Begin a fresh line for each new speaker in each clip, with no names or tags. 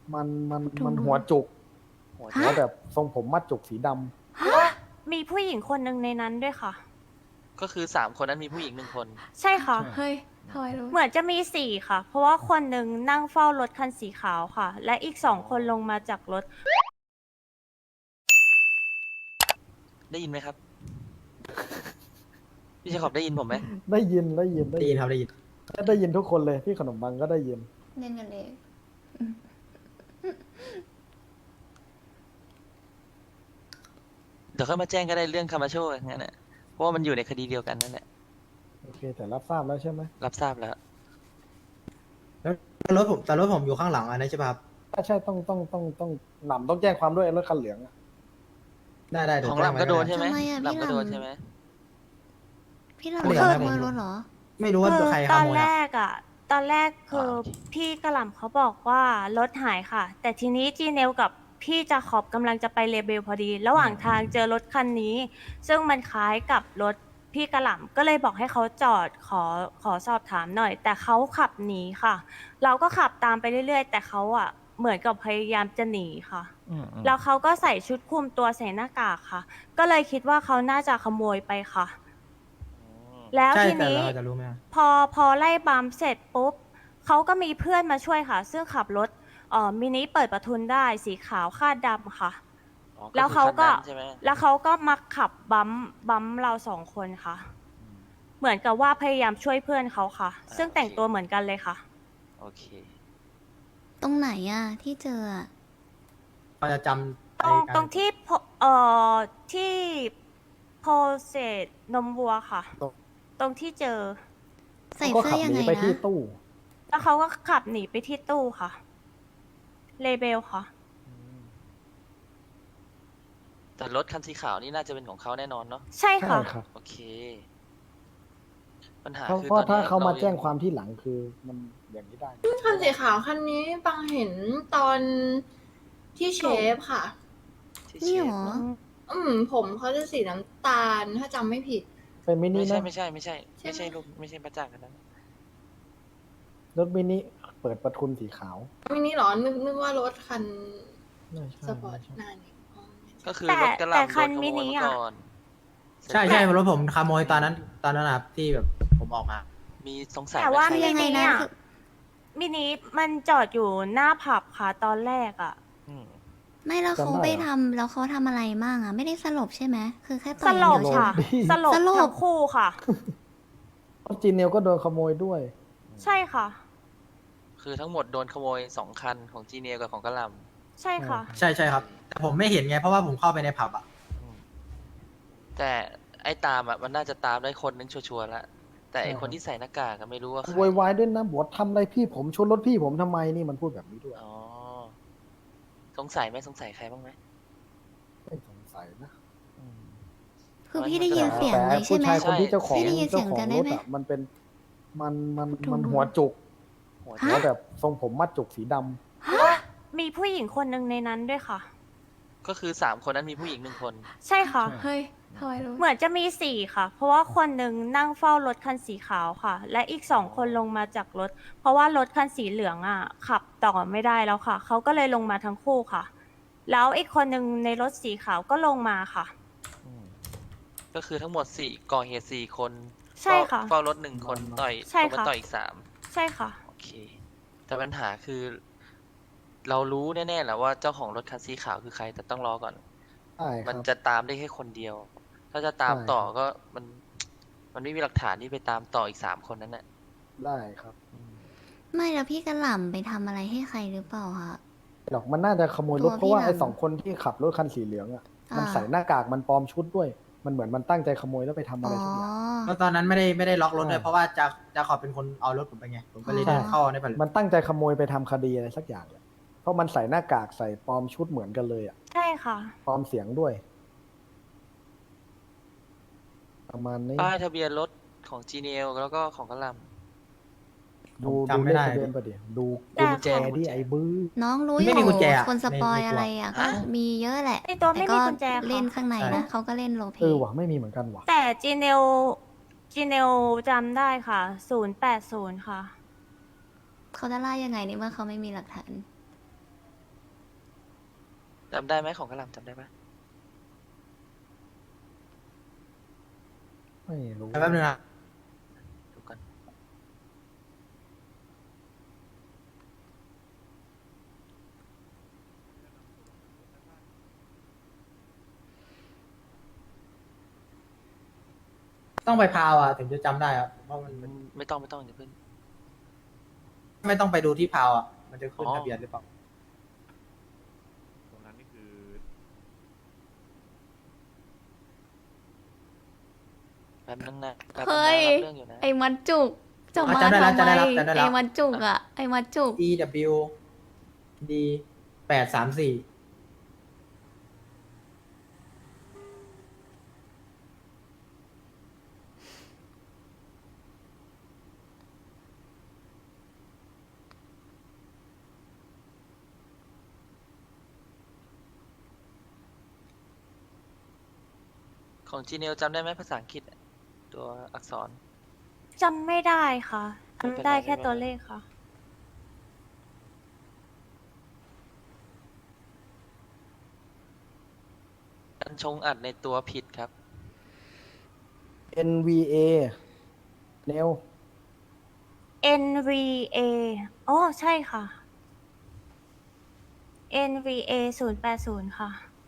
มันหัวจุก
หัว
หัวแบบทรงผมมัดจุกสีด
มีผู้หญิงคนหนึ่งในนั้นด้วยค่ะ
ก็คือ3 คนนั้นมีผู้หญิง1 คน
ใช่ค่ะ
เฮ้ยทำไมรู้
เหมือนจะมีสี่ค่ะ เพราะว่าคนหนึ่งนั่งเฝ้ารถคันสีขาวค่ะ และอีก2 คนลงมาจากรถ
ได้ยินไหมครับ พี่เชคอบได้ยินผมไหม
ำได้ยิน
ได้ยินครับได้ยิน
ได้ยินทุกคนเลยพี่ขนมปังก็ได้ยิน
เล่นกันเอง
เดี๋ยวค่อยมาแจ้งก็ได้เรื่องคามาโชงั้นแหละเพราะว่ามันอยู่ในคดีเดียวกันนั่นแหละ
โอเคแต่รับทราบแล้วใช่ไหม
รับทราบแล้ว
แล้วรถผมอยู่ข้างหลังอันนั้นใช่ป่ะครับ
ใช่ต้องหนำต้องแจ้งความด้วยรถคันเหลืองอะ
ได้เดี๋ยว
ของ
แจ้
หลั
ง
ง
ไว้
ก็โดน
ได้
ใช่ไหม
ทำไมอะ
หลังก็
พี่หลัง
โดนใช่ไหม
พี่เรา
เหลือ
ข
ไหม
โมยรถเหรอ
ไม่รู้ว่า
คือ
ใครข
ตอน
โมย
แร
อะ
กอ่ะ ตอนแรกคือพี่กระหล่ำเขาบอกว่ารถหายค่ะ แต่ทีนี้จีเนลกับพี่จาขอบกำลังจะไปเลเบลพอดี ระหว่างทางเจอรถคันนี้ ซึ่งมันคล้ายกับรถพี่กระหล่ำก็เลยบอกให้เขาจอดขอสอบถามหน่อย แต่เขาขับหนีค่ะ เราก็ขับตามไปเรื่อยๆ แต่เขาอ่ะเหมือนกับพยายามจะหนีค่ะ แล้วเขาก็ใส่ชุดคลุมตัวใส่หน้ากากค่ะ ก็เลยคิดว่าเขาน่าจะขโมยไปค่ะ แล้ว
ใช่
ที
แต่
นี้
เราจะรู้ไหมอะ
พอไล่บัมเสร็จปุ๊บเขาก็มีเพื่อนมาช่วยค่ะ ซึ่งขับรถมินิเปิดประทุนได้สีขาวคาดดำค่ะ
อ๋อ
แล้วเขาก็
คือคันนั้นใช่ไหม
แล้วเขาก็มาขับบัมเรา2 คนค่ะ เหมือนกับว่าพยายามช่วยเพื่อนเขาค่ะ ซึ่งแต่งตัวเหมือนกันเลยค่ะ
โอเค
ตรงไหนอะที่เจออะ
เราจะจำ
ตรงที่ที่โพเซตนมวัวค่ะ ตรงที่เจอ
ใส่
ก็
เสื้
ขั
อยัง
หนี
ไง
ไป
นะ
ที่ตู้
แล้วเขาก็ขับหนีไปที่ตู้ค่ะ เลเบลค่ะ
แต่รถคันสีขาวนี่น่าจะเป็นของเขาแน่นอนเนาะ
ใช่
ใช่
ค่ะ
ครับ
โอเค ปัญหา
เพราะ
คือ
เพราะ
ตอน
ถ้า
นี้
เขามา
ร
แจ้งความที่หลังคือมันอย่างนี้ได้
คันสีขาวคันนี้ปังเห็นตอนที่เชฟค่ะ
ที่
นี่
เช
ห
ฟ
รอ
ผมเขาจะสีน้ำตาลถ้าจำไม่ผิด
เป็นมินิ
ไม่ใช่
นะ
ไม่ใช่ไม่ใช่
ใช่
ไม่
ไหม
ใช่ลูกไม่ใช่ประจักษ์กันนั้น
รถมินิเปิดประทุนสีขาว
มินิเหรอนึกว่ารถคัน
ไม่ใช่
สปอร์ต
ไม่ใช่
หน้านี่อ๋อ
ก็คือ
แต่
รถกระห
แต่
ล่ำ
คั
โด
น
นข
มิ
โมย
นิ
มา
อ่ะ
ก่อน
ใช่รถผมขโมยตอนนั้นนะครับที่แบบผมออกมา
มีสงสัย
แต่
ไหม
ว่า
ใคร
มิ
ยังไง
นิ
นะ
อ่ะ
คือ
มินิมันจอดอยู่หน้าผับค่ะตอนแรกอ่ะ
อืม
ไม่แล้วเขา
จำได้
ไป
เหรอ
ทำแล้วเขาทำอะไรบ้างอะไม่ได้สลบใช่ไหมคือแค่ต่
ส
อยอ
ล
ย่าง
บ
เดียวใช่ไหม
ค่ะ สลบ
สลบ
ทั้งคู่ค่ะ
รถจีเนลก็โดนขโมยด้วย
ใช่ค่ะ
คือทั้งหมดโดนขโมย2 คันของจีเนียกับของกระหล่ำ
ใช่ค่ะ
ใช่ครับ แต่ผมไม่เห็นไงเพราะว่าผมเข้าไปในผับอะ
อืมแต่ไอ้ตามอ่ะมันน่าจะตามได้คนนึงชัวร์ๆแล้วแต่ไอ้
ใช่
คนที่ใส่หน้ากากก็ไม่รู้ว่าใคร
โวยวายด้วยนะบอกว่าทำอะไรพี่ผมชนรถพี่ผมทำไมนี่มันพูดแบบนี้ด้วย
อ๋อสงสัยไหมสงสัยใครบ้างไหม
ไม่สงสัยนะ
อืม
คือพี่ได้ยินเสียง
แต่
เลยใช่
ผู้
ไหม
ชายคนที่เจ้าของ
พี่ได้ยินเสี
เจ้าย
ง
ของ
กัน
ร
ได้
ถ
ไหม
อ่ะมันเป็นมัน
ถูก
หัวจุก
หัว
ฮะ
หัวแบบทรงผมมัดจุกสีดำ
มีผู้หญิงคนหนึ่งในนั้นด้วยค่ะ
ก็คือ3 คนนั้นมีผู้หญิง1 คน
ใช่ค่ะ
เฮ้ยทำไมรู้
เหมือนจะมีสี่ค่ะ เพราะว่าคนหนึ่งนั่งเฝ้ารถคันสีขาวค่ะ และอีก2 คนลงมาจากรถ เพราะว่ารถคันสีเหลืองอ่ะ ขับต่อไม่ได้แล้วค่ะ เขาก็เลยลงมาทั้งคู่ค่ะ แล้วอีกคนหนึ่งในรถสีขาวก็ลงมาค่ะ
อืมก็คือทั้งหมดก่อเหตุ4 คน
ใช่ค่ะ
เฝ้ารถ1 คนต่อย
ใช่
ลงมา
ค่ะ
ต่อยอีก
ใช่ค่ะ
3โอเค แต่ปัญหาคือ เรารู้แน่ๆแหละว่าเจ้าของรถคันสีขาวคือใคร แต่ต้องรอก่อน
ใช่ค
มั
รั
น
บ
จะตามได้แค่คนเดียว ถ้าจะตาม
ใช่
ต่อก็มันไม่มีหลักฐานที่ไปตามต่ออีก3 คนนั้นน่ะ
ได้ครับ
ไม่แล้วพี่กระหล่ำไปทำอะไรให้ใครหรือเปล่าคะ
หรอกมันน่าจะขโมยรถ
ตัว
เพราะว่า
พี่
ไอ้
หลัง
2 คนที่ขับรถคันสีเหลืองอ่ะ มัน
อ่า
ใส่หน้ากากมันปลอมชุดด้วย มันเหมือนมันตั้งใจขโมยแล้วไปทำอะ
อ๋
ไร
อ
สักอย่าง
แล้วตอนนั้นไม่ได้ล็อกรถเลย
ใช่
เพราะว่าจะขอเป็นคนเอารถผมไปไงผมก็เลย
ใช่
เดินเข้าในผับ
มันตั้งใจขโมยไปทำคดีอะไรสักอย่างเลยเพราะมันใส่หน้ากากใส่ปลอมชุดเหมือนกันเลยอ่ะ
ใช่ค่ะ
ปลอมเสียงด้วย ประมาณนี้
ป้ายทะเบียนรถของ GNL แล้วก็ของกระหล
ดู
จำไม่
เลข
ได้
ทะเบียนประเดี๋ยวดู
แต่
กุญแจที่ไอ้บื้อ
น้องรู้อ
ไม่
ยู่
มีกุญแจอะ
คนสปอย
ในตัว
อะไรอ่ะก็มีเยอะแหละ
ในตัวไม่
แต่
มี
ก็
กุญแจค่ะ
เล่นข้างในนะเขาก็เล่นโรลเพล
เออ
ย์
ว่ะไม่มีเหมือนกันว่ะ
แต่จีเนลจำได้ค่ะ080ค่ะ
เขาจะไล่ยังไงในเมื่อเขาไม่มีหลักฐาน
จำได้ไหมของกระหลำจำได้ปะ
ไม่รู้
แป๊บนึงนะ
ดูกัน
ต้องไปพาวอ่ะถึงจะจำได้อ่ะเพราะมัน
ไม่ต้องอย่าเพิ่ง
ไม่ต้องไปดูที่พาวอ่ะมันจะขึ้น
อ๋อ
ทะเบียนหรือเปล่า
ตรงนั้นนี่คือ
แป๊บนึงนะแป๊บนึง
เฮ้
นะ
ย
รับเรื่องอยู่นะ
ไอ้มันจุกจะมา
จำได้แล้ว
ทำไม
จำได้แล้ว
ไอ้มันจุกอ่ะ ไอ้มันจุก
EW D 834
ของจีเนลจำได้ไหมภาษาอังกฤษอะตัวอักษร
จำไม่ได้ค่ะ
ไม่เป็นไร
จำได้แค่
ไม่เป็นไร
ตัวเลขค่ะ
กันชงอัดในตัวผิดครับ
NVA เนล
NVA อ๋อใช่ค่ะ NVA 080 ค่ะ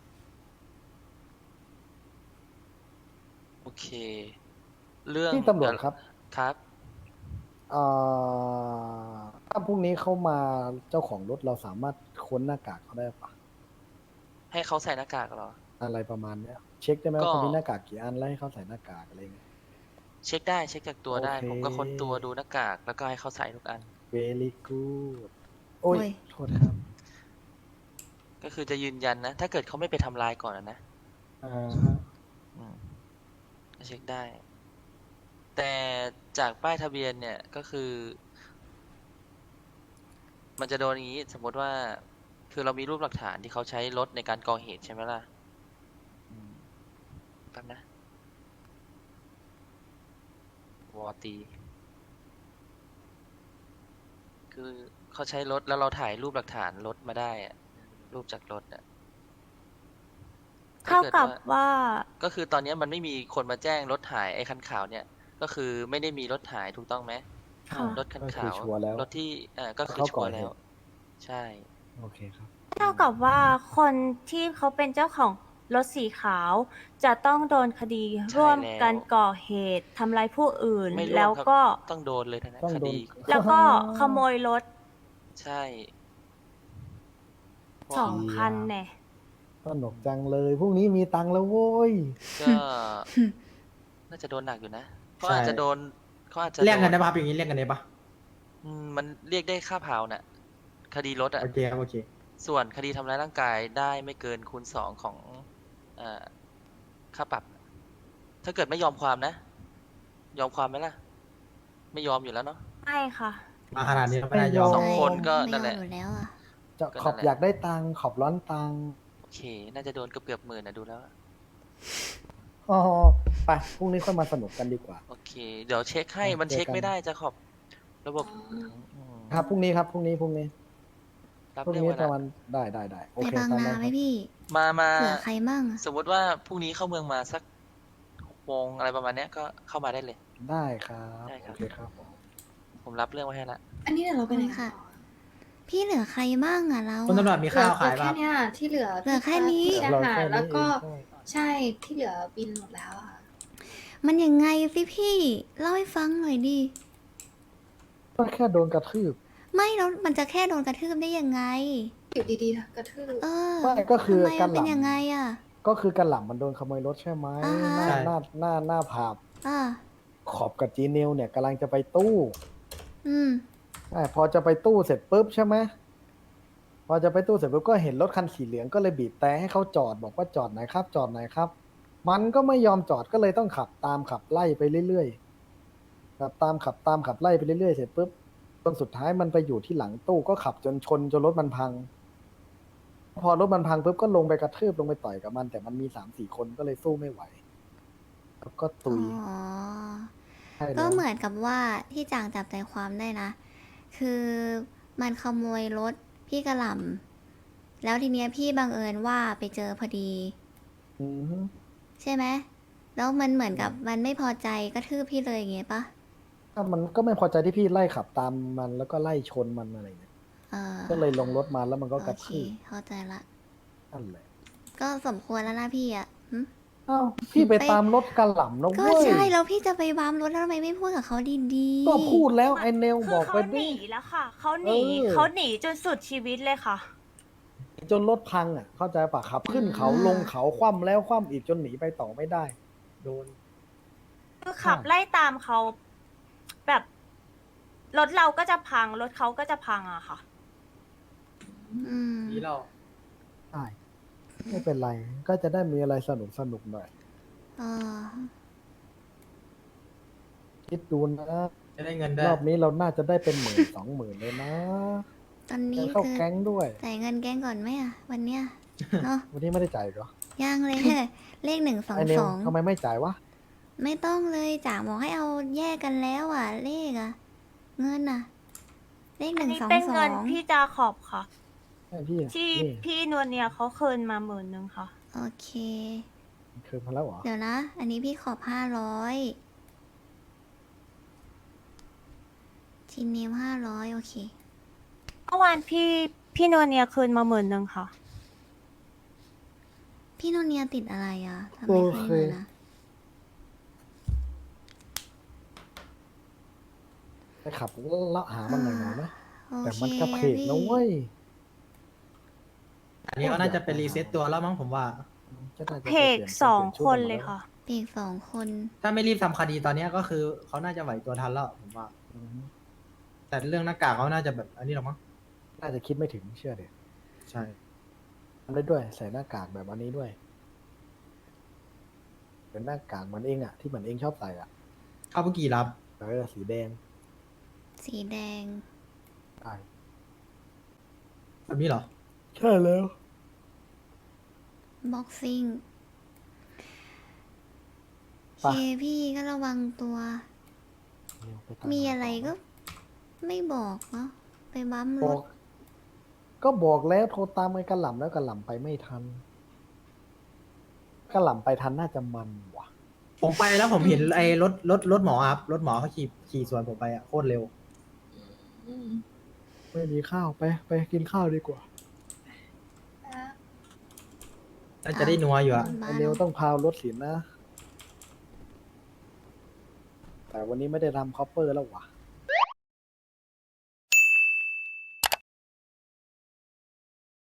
โอเค เรื่อง
ที่ตำรวจครับ
ครับ
เอ่ถ้าพรุ่งนี้เข้ามาเจ้าของรถเราสามารถค้นหน้ากากเขาได้ปะ
ให้เขาใส่หน้ากากเหรอ
อะไรประมาณเนี้ย เช็คได้ไหม
ก็
ว่าเขามีหน้ากากกี่อันแล้วให้เขาใส่หน้ากากอะไรเงี้ย
เช็คได้เช็คจากตัวได้
โอเค
ผมก็ค้นตัวดูหน้ากาก แล้วก็ให้เขาใส่ทุกอัน
very good โอ้ย
โอ้ย
โทษครับ
ก็คือจะยืนยันนะ ถ้าเกิดเขาไม่ไปทำลายก่อนนะ
ฮะ
อืมก็เช็คได้ แต่จากป้ายทะเบียนเนี่ยก็คือ มันจะโดนอย่างนี้ สมมติว่า คือเรามีรูปหลักฐานที่เขาใช้รถในการก่อเหตุใช่ไหมล่ะอืมแป๊บนะวอตี คือเขาใช้รถแล้วเราถ่ายรูปหลักฐานรถมาได้อะรูปจากรถอะ
เท่ากับว่า
ก็คือตอนนี้มันไม่มีคนมาแจ้งรถหายไอ้คันขาวเนี่ย ก็คือไม่ได้มีรถหายถูกต้องไหม
ค่ะ
รถคัน
ก็คือ
ขาว
ชัวร์แล้ว
รถที่ก็คือ
เขา
ชั
ก่
ว
อ
ร์
เหตุ
แล้ว ใช่
โอเคครับ
เท่ากับว่าคนที่เขาเป็นเจ้าของรถสีขาว จะต้องโดนคดี
ใช่
ร่วมกัน
แล้ว
ก่อเหตุทำร้ายผู้อื่น
ไม่ร่วม
แล้ว
ครับ
ก็
ต้องโดนเลยนะ
ต้อง
ค
โดน
ดี
แล้วก็ขโมยรถ
ใช่
2 คันเนี่ย
สนุกจังเลยพรุ่งนี้มีตังค์แล้วโว้ย
ก็ น่าจะโดนหนักอยู่นะเขาอาจจะโดนเขาอาจจะ
เรียกกัน
โด
ได้ปะครับอย่างนี้เรียกกันได้ปะ
มันเรียกได้ค่าเผาน่ะ คดีรถอ่ะ
โอเคครับโอเค
ส่วนคดีทำร้ายร่างกายได้ไม่เกินคูณ 2 ของค่าปรับ ถ้าเกิดไม่ยอมความนะ ยอมความไหมล่ะ ไม่ยอมอยู่แล้วเนาะ
ไม่ค่ะ
มาขนาดนี้ไม่ได้ยอม
สองคนก็
ไม่
นั่นแหละ
ยอมอยู่แล้วอ่ะ
จะ
ก็
ขอบ
นั่นแหละ
อยากได้ตังค์ขอบร้อนตังค์
โอเค น่าจะโดนเกือบหมื่นนะดูแล้ว
อ๋อไปพรุ่งนี้ค่อยมาสนุกกันดีกว่า
โอเค เดี๋ยวเช็คให้ มันเช็ค
เจอกัน
ไม่ได้จะขอบระบบ ม
ครับพรุ่งนี้ครับพรุ่งนี้
รับ
พรุ่ง
เรื่อง
นี้
ไว้
ประ
ละ
มาณได้โอ
ไป
เค
บาง
ตาม
นา
นั้น
ไหม
ครับ
พี่
มา
เผื่อใครมั่งอะ
สมมติว่าพรุ่งนี้เข้าเมืองมาสัก6 โมงอะไรประมาณเนี้ยก็เข้ามาได้เลย
ได้ครับ
ได้ครับ
โอเคครับผม
ผมรับเรื่องไว้ให้ละ
อันนี้เดี๋ยวเราไปไหน
ค่ะ
ต่อ
พี่เหลือใครมั่งอ่ะเรา
คุณตำรว
อะ
จมีข้าวขาย
เหลือ
ปะ
แค่เนี้ยที่เหลือ
เหลือแค่นี้
พี่
เรา
อาหา
แค่
ร
นี้
แล้วก็
เอง
ใช่ที่เหลือบินหมดแล้วอะ
มันยังไงสิพี่ เล่าให้ฟังหน่อยดิ
ก็แค่โดนกระทืบ
ไม่แล้วมันจะแค่โดนกระทืบได้ยังไง
อยู่ดีๆกระทืบ
เออ
ไม่ก็คือ
ทำไม
กั
มัน น
ห
เป็น
ล่ำ
ยังไงอ่ะ
ก็คือกันหล่ำมันโดนขโมยรถใช่ไหม
อ่าฮะ
หน้าผับ
อ่า
ขอบกับจีเนลเนี่ยกำลังจะไปตู้
อืม
พอจะไปตู้เสร็จปุ๊บใช่ไหมพอจะไปตู้เสร็จปุ๊บก็เห็นรถคันสีเหลืองก็เลยบีบแต่ให้เขาจอดบอกว่าจอดไหนครับ จอดไหนครับ มันก็ไม่ยอมจอดก็เลยต้องขับตามขับไล่ไปเรื่อยๆขับตามไล่ไปเรื่อยๆเสร็จปุ๊บจนสุดท้ายมันไปอยู่ที่หลังตู้ก็ขับจนชนจนรถมันพัง พอรถมันพังปุ๊บก็ลงไปกระทืบลงไปต่อยกับมัน แต่มันมี3-4 คนก็เลยสู้ไม่ไหวแล้วก็ตุย
อ๋อ
ใช่
ก็
แล้ว
เหมือนกับว่าที่จางจับใจความได้นะ คือมันขโมยรถพี่กระหล่แล้วทีเนี้ยพี่บังเอิญว่าไปเจอพอดี
อือฮึ
ใช่ไหมแล้วมันเหมือนกับมันไม่พอใจกระทืบพี่เลยอย่างเงี้ยปะ
ก็มันก็ไม่พอใจที่พี่ไล่ขับตามมันแล้วก็ไล่ชนมันอะไรเงี้ย
เออ
ก็เลยลงรถมาแล้วมันก็กระ
โอเค
ทืบ
เข้าใจละ
นั่นแหละ
ก็สมควรแล้วนะพี่อ่ะหึ
อ้าวพี่ไปตามรถกระหล่ำนะ
ก็
เว้ย
ใช่แล้วพี่จะไปบัมรถแล้วทำไมไม่พูดกับเขาดีๆ
ก็พูดแล้วไอเนล
คื
บ
อ
อกไป
เขาห
ดิ
นีแล้วค่ะ เขาหนี
เออ
เขาหนีจนสุดชีวิตเลยค่ะ
จนรถพังอ่ะ เข้าใจปะขับขึ้นเขาลงเขาคว่ำแล้วคว่ำอีกจนหนีไปต่อไม่ได้ โดน
คือขับไล่ตามเขาแบบรถเราก็จะพัง รถเขาก็จะพังอะค่ะ
อืม
นี่เรา
ใช่ ไม่เป็นไร ก็จะได้มีอะไรสนุกสนุกหน่อย
เออ
คิดดูนะ
จะได้เงินได้
รอบนี้เราน่าจะได้เป็น10,000 20,000เลยนะ
ตอน
แก
นี้
เข้า
คือ
แก๊งด้วย
จ่ายเงินแก๊งก่อนไหมอ่ะ วันเนี้ย เนาะ
วันนี้ไม่ได้จ่ายเหรอ
ยังเลย เลข1
ไอเน
2
ลทำไมไม่จ่ายวะ
2ไม่ต้องเลยจ๋าบอกให้เอาแยกกันแล้วอ่ะ เลขอ่ะ เงินอ่ะ เลข
อัน
1
นี้
2
เป็นเงิน
2
พี่จาขอบค่ะ
ให้พี่อะ
ที่
นี่
พี่นวลเนียเขาคืนมา10,000ค่ะ
โอเค
คืนมาแล้วเหรอ
เดี๋ยวนะ อันนี้พี่ขอบ500ทีเนม500 โอเค
เมื่อวานพี่นวลเนียคืนมา10,000ค่ะ
พี่โนเนียติดอะไรอ่ะทำไม
โอ
เค
เค
ยมานะ
ไปขับแล้วหามันหน่อยๆนะ
โอ
แต่
เค
มันกระเพก
พี่
นะเว้ย
อันนี้ก็น่าจะเป็นรีเซ็ตตัวแล้วมั้งผมว่า
จะน่าจะ
เพก
ปลี่ยน
สอง
ปลี่ย
คน
ชุด
เลย
หมดแว
ค่ะ
เด็ก2 คน
ถ้าไม่รีบทำคดีตอนเนี้ยก็คือเขาน่าจะไหวตัวทันแล้วผมว่า
อือฮึ
แต่เรื่องหน้ากากเขาน่าจะแบบอันนี้หรอกมั้ง
น่าจะคิดไม่ถึงเชื่อเดี๋ยว
ใช่
ทำได้ด้วยใส่หน้ากากแบบอันนี้ด้วย เป็นหน้ากากเหมือนเองอะที่เหมือนเองชอบใส่อะ
ข้าวปุกี้รับ
สีแดง
สีแดง
ใช่
แบบนี้เหรอ
ใช่แล้ว
บ็อกซิ่ง
ไป
เคพี่ก็ระวังตัว มีอะไรก็ไม่บอกเนาะ ไปบัมร
บอก
ถ
ก็บอกแล้วโทรตามไอ้กระหล่ำแล้วกระหล่ำไปไม่ทันกระหล่ำไปทันน่าจะมันว่ะ
ผมไปแล้วผมเห็นไอ้รถหมอครับรถหมอเขาขี่สวนผมไปอะโคตรเร็ว
อืม
ไม่มีข้าวไปกินข้าวดีกว่า
น่าจะได้นัวอยู่อะ
บ้า
ไอ้
น
เนวต้องพาวรถสินนะ แต่วันนี้ไม่ได้ทำคอปเปอร์แล้วว่ะ